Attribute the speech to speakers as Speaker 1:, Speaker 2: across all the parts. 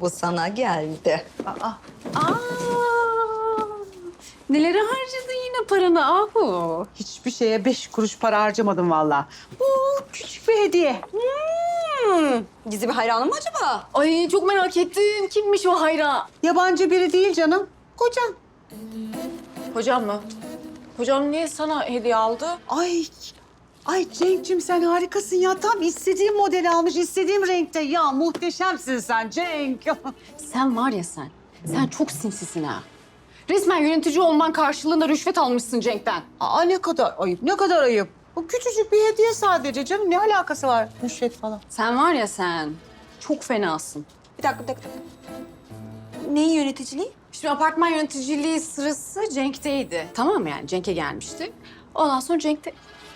Speaker 1: Bu sana geldi.
Speaker 2: Aa, nelere harcadın yine paranı Ahu?
Speaker 3: Hiçbir şeye 5 kuruş para harcamadım vallahi. Bu küçük bir hediye.
Speaker 1: Gizli bir hayranım mı acaba?
Speaker 2: Ay çok merak ettim. Kimmiş o hayran?
Speaker 3: Yabancı biri değil canım. Kocam.
Speaker 2: Hocam mı? Hocam niye sana hediye aldı?
Speaker 3: Ay Cenk'cim sen harikasın ya. Tam istediğim modeli almış, istediğim renkte. Ya muhteşemsin sen Cenk.
Speaker 2: Sen var ya sen. Sen çok sinsisin ha. Resmen yönetici olman karşılığında rüşvet almışsın Cenk'ten.
Speaker 3: Aa ne kadar ayıp, ne kadar ayıp. Bu küçücük bir hediye sadece canım. Ne alakası var rüşvet falan?
Speaker 2: Sen var ya sen. Çok fenasın.
Speaker 1: Bir dakika. Neyin yöneticiliği?
Speaker 2: Şimdi apartman yöneticiliği sırası Cenk'teydi. Tamam mı yani? Cenk'e gelmişti. Ondan sonra Cenk de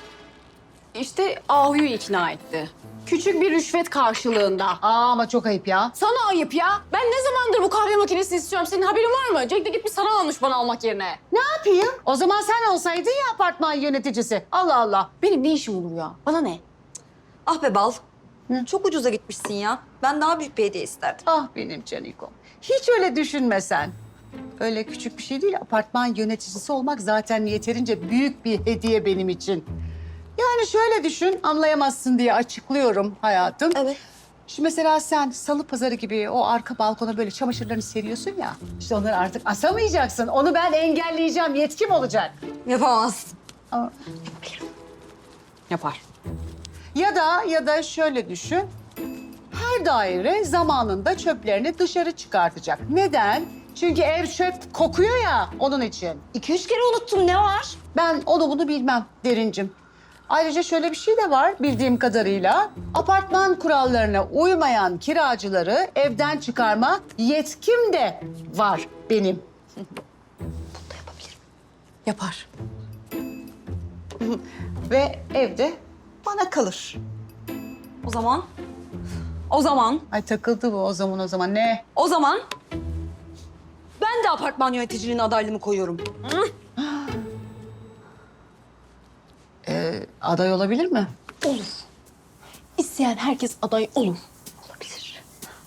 Speaker 2: işte Ahu'yu ikna etti. Küçük bir rüşvet karşılığında.
Speaker 3: Aa ama çok ayıp ya.
Speaker 2: Sana ayıp ya. Ben ne zamandır bu kahve makinesini istiyorum. Senin haberin var mı? Cenk de gitmiş sana almış bana almak yerine.
Speaker 3: Ne yapayım? O zaman sen olsaydın ya apartman yöneticisi. Allah Allah.
Speaker 2: Benim ne işim olur ya? Bana ne?
Speaker 1: Ah be bal. Çok ucuza gitmişsin ya. Ben daha büyük bir hediye isterdim.
Speaker 3: Ah benim canikom. Hiç öyle düşünme sen. Öyle küçük bir şey değil. Apartman yöneticisi olmak zaten yeterince büyük bir hediye benim için. Yani şöyle düşün, anlayamazsın diye açıklıyorum hayatım.
Speaker 1: Evet.
Speaker 3: Şimdi mesela sen salı pazarı gibi o arka balkona böyle çamaşırlarını seriyorsun ya. İşte onları artık asamayacaksın. Onu ben engelleyeceğim, yetkim olacak.
Speaker 1: Yapamazsın.
Speaker 3: Ama-
Speaker 2: Yapar.
Speaker 3: Ya da şöyle düşün. Her daire zamanında çöplerini dışarı çıkartacak. Neden? Çünkü ev çöp kokuyor ya onun için.
Speaker 1: 2-3 kere unuttum, ne var?
Speaker 3: Ben onu bunu bilmem Derincim. Ayrıca şöyle bir şey de var bildiğim kadarıyla. Apartman kurallarına uymayan kiracıları evden çıkarma yetkim de var benim.
Speaker 2: Yapar.
Speaker 3: Ve evde bana kalır.
Speaker 1: O zaman
Speaker 3: Ay takıldı bu o zaman ne?
Speaker 1: ben de apartman yöneticiliğine adaylığımı koyuyorum.
Speaker 3: Aday olabilir mi?
Speaker 2: Olur. İsteyen herkes aday olur.
Speaker 1: Olabilir.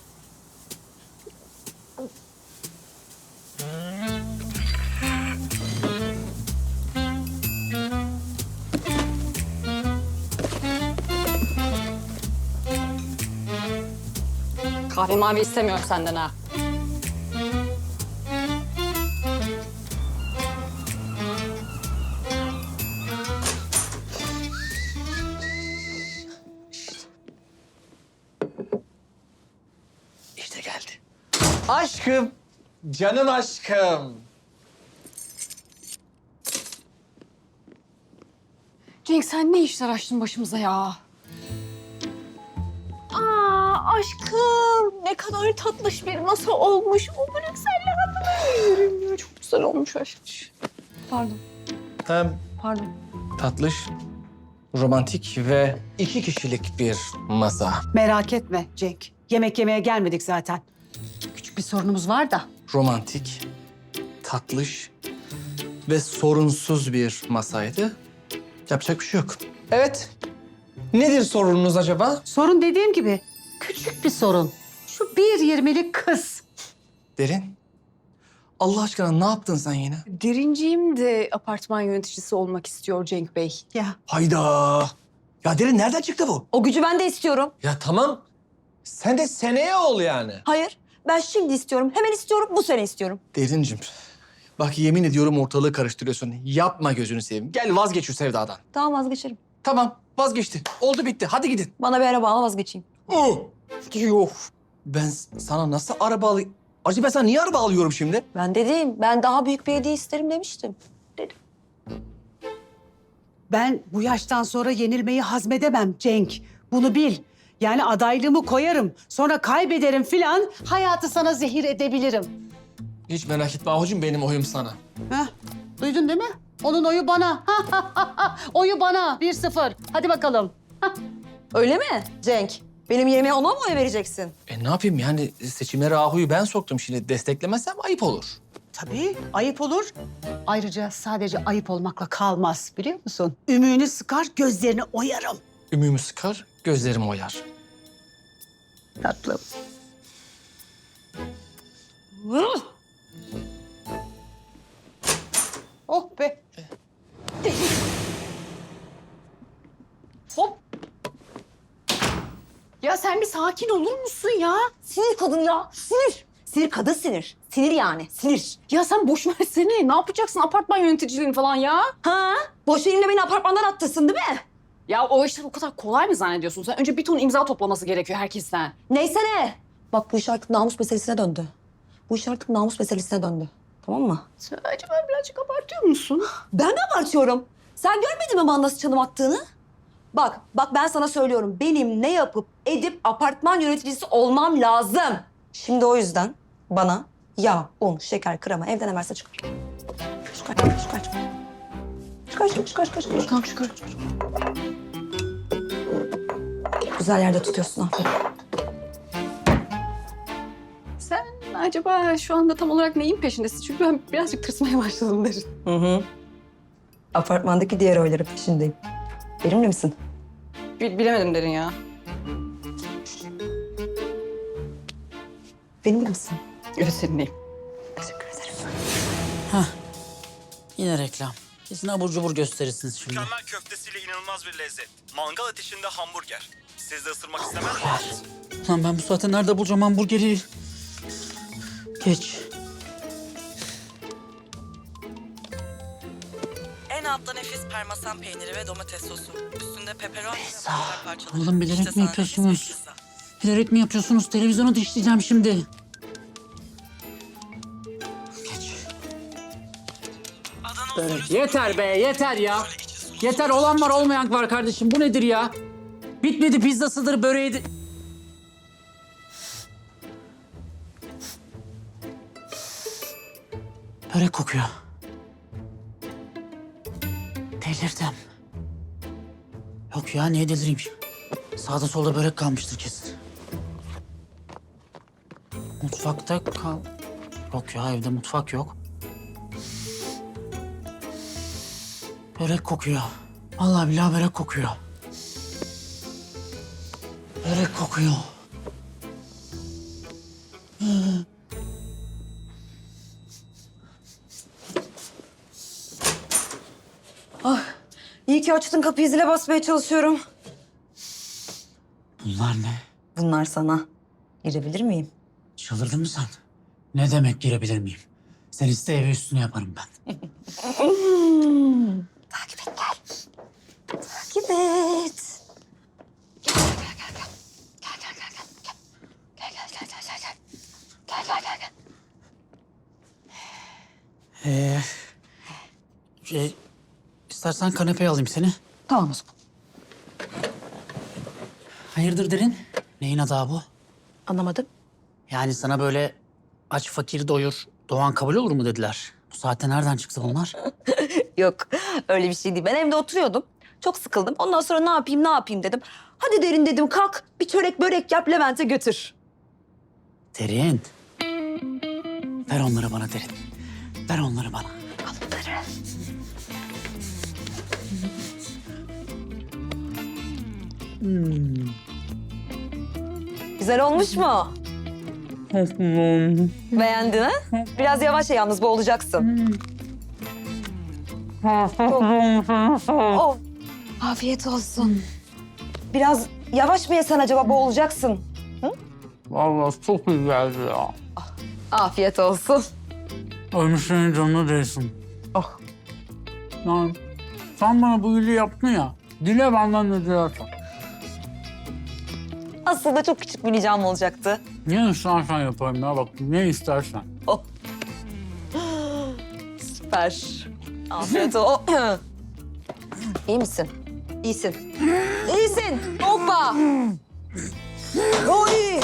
Speaker 2: Kahve mavi istemiyorum senden ha.
Speaker 4: İşte geldi. Aşkım, canım aşkım.
Speaker 2: Cenk sen ne işler açtın başımıza ya? Aa aşkım ne kadar tatlış bir masa olmuş. O Brüksel'le hatırlıyorum ya. Çok güzel olmuş aşkım. Pardon,
Speaker 4: Hem
Speaker 2: pardon.
Speaker 4: tatlış, romantik ve 2 kişilik bir masa.
Speaker 3: Merak etme Cenk. Yemek yemeye gelmedik zaten. Küçük bir sorunumuz var da.
Speaker 4: Romantik, tatlış ve sorunsuz bir masaydı. Yapacak bir şey yok. Evet. Nedir sorununuz acaba?
Speaker 3: Sorun dediğim gibi küçük bir sorun. Şu 1.20'lik kız.
Speaker 4: Derin. Allah aşkına ne yaptın sen yine?
Speaker 2: Derinciğim de apartman yöneticisi olmak istiyor Cenk Bey.
Speaker 3: Ya
Speaker 4: Hayda. Ya Derin nereden çıktı bu?
Speaker 1: O gücü ben de istiyorum.
Speaker 4: Ya tamam. Sen de seneye ol yani.
Speaker 1: Hayır, ben şimdi istiyorum. Hemen istiyorum, bu sene istiyorum.
Speaker 4: Derincim. Bak yemin ediyorum ortalığı karıştırıyorsun. Yapma gözünü seveyim. Gel vazgeç şu sevdadan.
Speaker 1: Tamam, vazgeçerim.
Speaker 4: Tamam vazgeçti. Oldu bitti. Hadi gidin.
Speaker 1: Bana bir araba al, vazgeçeyim.
Speaker 4: Yok. Ben sana nasıl araba alayım? Acaba ben sana niye araba alıyorum şimdi?
Speaker 1: Ben dedim, ben daha büyük bir hediye isterim demiştim. Dedim.
Speaker 3: ben bu yaştan sonra yenilmeyi hazmedemem Cenk. Bunu bil. Yani adaylığımı koyarım. Sonra kaybederim filan. Hayatı sana zehir edebilirim.
Speaker 4: Hiç merak etme Ahucuğum benim oyum sana.
Speaker 3: Heh, duydun değil mi? Onun oyu bana. Oyu bana. 1-0. Hadi bakalım.
Speaker 1: Öyle mi Cenk? Benim yerime ona mı oy vereceksin?
Speaker 4: Ne yapayım yani seçimlere Ahu'yu ben soktum şimdi. Desteklemezsem ayıp olur.
Speaker 3: Tabii ayıp olur. Ayrıca sadece ayıp olmakla kalmaz biliyor musun? Ümüğünü sıkar, gözlerini oyarım.
Speaker 4: Ümüğümü sıkar, gözlerim oyar.
Speaker 3: Tatlım.
Speaker 2: sen bir sakin olur musun ya?
Speaker 1: Sinir kadın ya. Sinir. Sinir kadın sinir. Sinir yani. Sinir.
Speaker 2: Ya sen boş versene. Ne yapacaksın apartman yöneticiliğini falan ya?
Speaker 1: Ha? Boş elinle beni apartmandan attırsın değil mi?
Speaker 2: Ya o işler o kadar kolay mı zannediyorsun? Sen önce bir ton imza toplaması gerekiyor herkesten.
Speaker 1: Neyse ne. Bak bu iş artık namus meselesine döndü. Bu iş artık namus meselesine döndü. Tamam mı?
Speaker 2: Sen acaba birazcık abartıyor musun?
Speaker 1: Ben mi abartıyorum? Sen görmedin mi bana nasıl çalım attığını? Bak ben sana söylüyorum. Benim ne yapıp edip apartman yöneticisi olmam lazım. Şimdi o yüzden bana yağ, un, şeker, krema evden ne varsa çıkar. Çıkar. Çıkar. Güzel yerde tutuyorsun aferin.
Speaker 2: Sen acaba şu anda tam olarak neyin peşindesin? Çünkü ben birazcık tırsmaya başladım derin.
Speaker 1: Hı. Apartmandaki diğer oyların peşindeyim. Benimle misin?
Speaker 2: Bilemedim derin ya.
Speaker 1: Benimle misin?
Speaker 2: Evet seninleyim.
Speaker 1: Teşekkür ederim.
Speaker 5: Yine reklam. Kesin abur cubur gösterirsiniz şimdi.
Speaker 6: Mükemmel köftesiyle inanılmaz bir lezzet. Mangal ateşinde hamburger. Siz de ısırmak istemez misiniz?
Speaker 5: Lan ben bu saatte nerede bulacağım hamburgeri? Geç.
Speaker 7: En altta nefis parmesan peyniri ve domates sosu. Üstünde pepperoni ve mantar parçaları.
Speaker 5: Oğlum bilerek
Speaker 7: İşte
Speaker 5: mi
Speaker 7: sana
Speaker 5: yapıyorsunuz?
Speaker 7: nefis bir pizza.
Speaker 5: Bilerek mi yapıyorsunuz? Televizyonu dişleyeceğim şimdi. Geç.
Speaker 7: Adana usulü
Speaker 5: Yeter be, yeter ya. Yeter, olan var olmayan var kardeşim. Bu nedir ya? Bitmedi, pizzasıdır, böreğidir. Börek kokuyor. Delirdim. Yok ya, niye delireyim? Sağda solda börek kalmıştır kesin. Mutfakta kal... Yok ya, evde mutfak yok. Börek kokuyor. Vallahi billahi börek kokuyor. Börek kokuyor.
Speaker 1: İyi ki açtın kapıyı, zile basmaya çalışıyorum.
Speaker 5: Bunlar ne?
Speaker 1: Bunlar sana. Girebilir miyim?
Speaker 5: Çıldırdın mı sen? Ne demek girebilir miyim? Sen iste evi üstüne yaparım ben.
Speaker 1: Takip et gel. Takip et. Gel.
Speaker 5: İstersen kanepeye alayım seni.
Speaker 1: Tamam o zaman.
Speaker 5: Hayırdır derin? Neyin adı bu?
Speaker 1: Anlamadım.
Speaker 5: Yani sana böyle aç fakir doyur, doğan kabul olur mu dediler. Bu saatte nereden çıktı bunlar?
Speaker 1: Yok öyle bir şey değil. Ben evde oturuyordum. Çok sıkıldım. Ondan sonra ne yapayım dedim. Hadi derin dedim kalk bir çörek börek yap Levent'e götür.
Speaker 5: Derin. Ver onları bana derin. Ver onları bana.
Speaker 1: Al bunları. Güzel olmuş mu? Beğendin ha? Biraz yavaş ye yalnız boğulacaksın. Oh. Afiyet olsun. Biraz yavaş mı yesen acaba boğulacaksın?
Speaker 5: Vallahi çok güzeldi ya.
Speaker 1: Afiyet olsun.
Speaker 5: Ölmüşlerin canına değsin.
Speaker 1: Oh.
Speaker 5: Lan sen bana bu iyiliği yaptın ya. Dile benden ne dilersen.
Speaker 1: Aslında çok küçük bir ricam olacaktı.
Speaker 5: Ne istersen yaparım ya bak ne istersen.
Speaker 1: Oh. Süper. Afiyet olsun. İyi misin? İyisin. İyisin. Hoppa. Oy.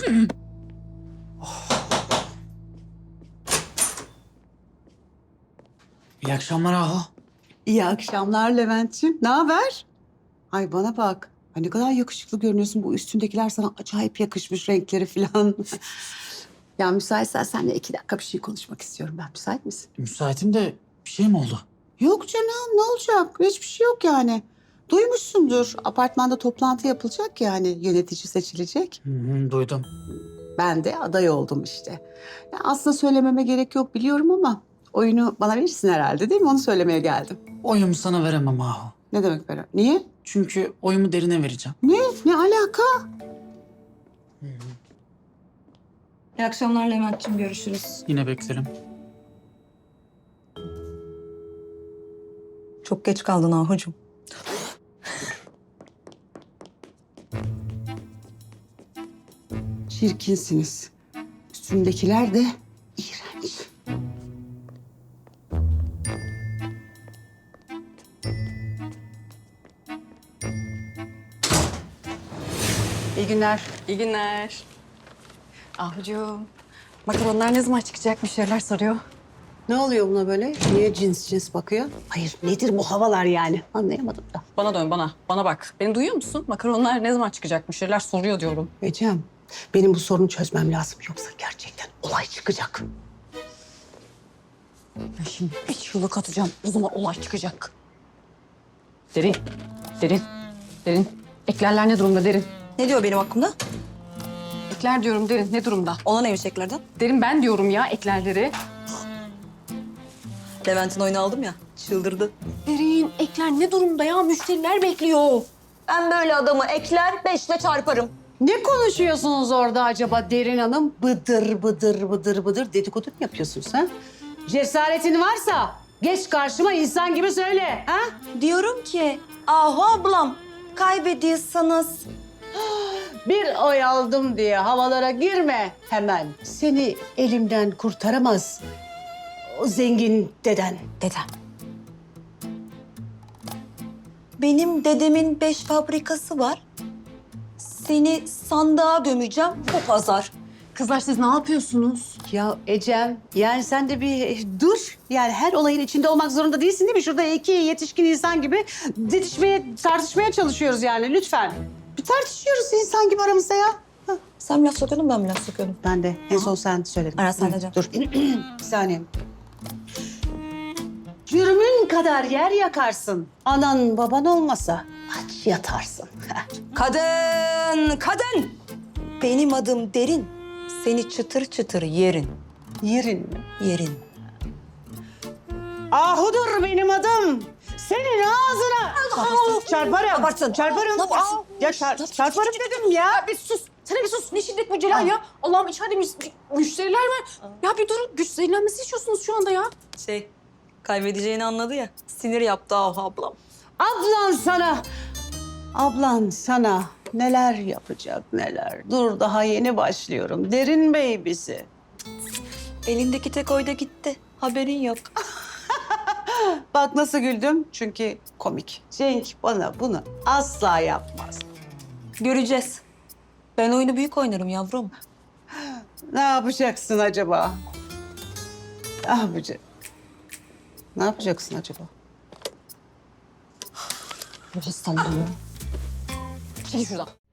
Speaker 5: İyi akşamlar Ahu.
Speaker 3: İyi akşamlar Levent'ciğim. Ne haber? Ay bana bak. Ay ne kadar yakışıklı görünüyorsun. Bu üstündekiler sana acayip yakışmış renkleri falan. Ya müsaitsen seninle 2 dakika bir şey konuşmak istiyorum ben. Müsait misin?
Speaker 5: Müsaitim de bir şey mi oldu?
Speaker 3: Yok canım ne olacak? Hiçbir şey yok yani. Duymuşsundur. Apartmanda toplantı yapılacak yani yönetici seçilecek.
Speaker 5: Duydum.
Speaker 3: Ben de aday oldum işte. Ya aslında söylememe gerek yok biliyorum ama oyunu bana verirsin herhalde değil mi? Onu söylemeye geldim.
Speaker 5: Oyumu sana veremem Ahu.
Speaker 3: Ne demek böyle? Niye?
Speaker 5: Çünkü oyumu derine vereceğim.
Speaker 3: Ne? Ne alaka?
Speaker 1: İyi akşamlar Levent'ciğim, görüşürüz.
Speaker 5: Yine beklerim.
Speaker 1: Çok geç kaldın Ahucuğum.
Speaker 3: Çirkinsiniz. Üstündekiler de iğrenç. İyi günler.
Speaker 2: İyi günler. Ahucuğum, makaronlar ne zaman çıkacak? Müşteriler soruyor.
Speaker 3: Ne oluyor buna böyle? Niye cins cins bakıyor? Hayır, nedir bu havalar yani? Anlayamadım da.
Speaker 2: Bana dön, bana. Bana bak. Beni duyuyor musun? Makaronlar ne zaman çıkacak? Müşteriler soruyor diyorum.
Speaker 3: Ecem, benim bu sorunu çözmem lazım. Yoksa gerçekten olay çıkacak.
Speaker 2: Ben şimdi bir çığlık atacağım. O zaman olay çıkacak. Derin, derin, derin. Eklerler ne durumda derin?
Speaker 1: Ne diyor benim hakkımda?
Speaker 2: Ekler diyorum derin. Ne durumda?
Speaker 1: Ona neymiş eklerden?
Speaker 2: Derin ben diyorum ya eklerleri.
Speaker 1: Levent'in oyunu aldım ya, çıldırdı.
Speaker 2: Derin ekler ne durumda ya? Müşteriler bekliyor.
Speaker 1: Ben böyle adamı ekler, 5'le çarparım.
Speaker 3: Ne konuşuyorsunuz orada acaba Derin Hanım? Bıdır bıdır bıdır bıdır dedikodu mu yapıyorsunuz ha? Cesaretin varsa geç karşıma insan gibi söyle ha?
Speaker 1: Diyorum ki, Ahu ablam, kaybediyorsanız
Speaker 3: Bir oy aldım diye havalara girme hemen. Seni elimden kurtaramaz o zengin deden.
Speaker 1: dedem. Benim dedemin 5 fabrikası var. Seni sandığa gömeceğim, bu pazar.
Speaker 2: Kızlar siz ne yapıyorsunuz?
Speaker 3: Ya Ecem, yani sen de bir dur. Yani her olayın içinde olmak zorunda değilsin değil mi? Şurada iki yetişkin insan gibi tartışmaya çalışıyoruz yani lütfen. Bir tartışıyoruz insan gibi aramızda ya.
Speaker 1: Sen mi laf sokuyordun, ben mi laf sokuyordum?
Speaker 3: Ben de en son sen söyledin.
Speaker 1: Ara sen de Cem.
Speaker 3: Dur. Bir saniye. Cürmün kadar yer yakarsın. Anan baban olmasa aç yatarsın.
Speaker 1: Kadın, kadın! Benim adım Derin. Seni çıtır çıtır yerin,
Speaker 3: Yerin mi?
Speaker 1: yerin.
Speaker 3: Ahudur benim adım. Senin ağzına. Çarparım.
Speaker 1: Yaparsın.
Speaker 3: Çarparım.
Speaker 1: Ne yaparsın?
Speaker 3: Ya çarparım dedim ya.
Speaker 2: Bir sus. Sana bir sus. Ne şiddet bu Celal ya? Allah'ım içeride müşteriler var. Ya bir durun. Güç zehirlenmesi içiyorsunuz şu anda ya.
Speaker 1: Kaybedeceğini anladı ya. Sinir yaptı Ahu ablam.
Speaker 3: Ablan sana neler yapacak neler. Dur daha yeni başlıyorum. Derin baby'si.
Speaker 1: Elindeki tek oyda gitti. Haberin yok.
Speaker 3: Bak nasıl güldüm. Çünkü komik. Cenk bana bunu asla yapmaz.
Speaker 1: Göreceğiz. Ben oyunu büyük oynarım yavrum.
Speaker 3: Ne yapacaksın acaba? Ne yapacaksın acaba?
Speaker 2: Bu hastalığı. Çekil şuradan.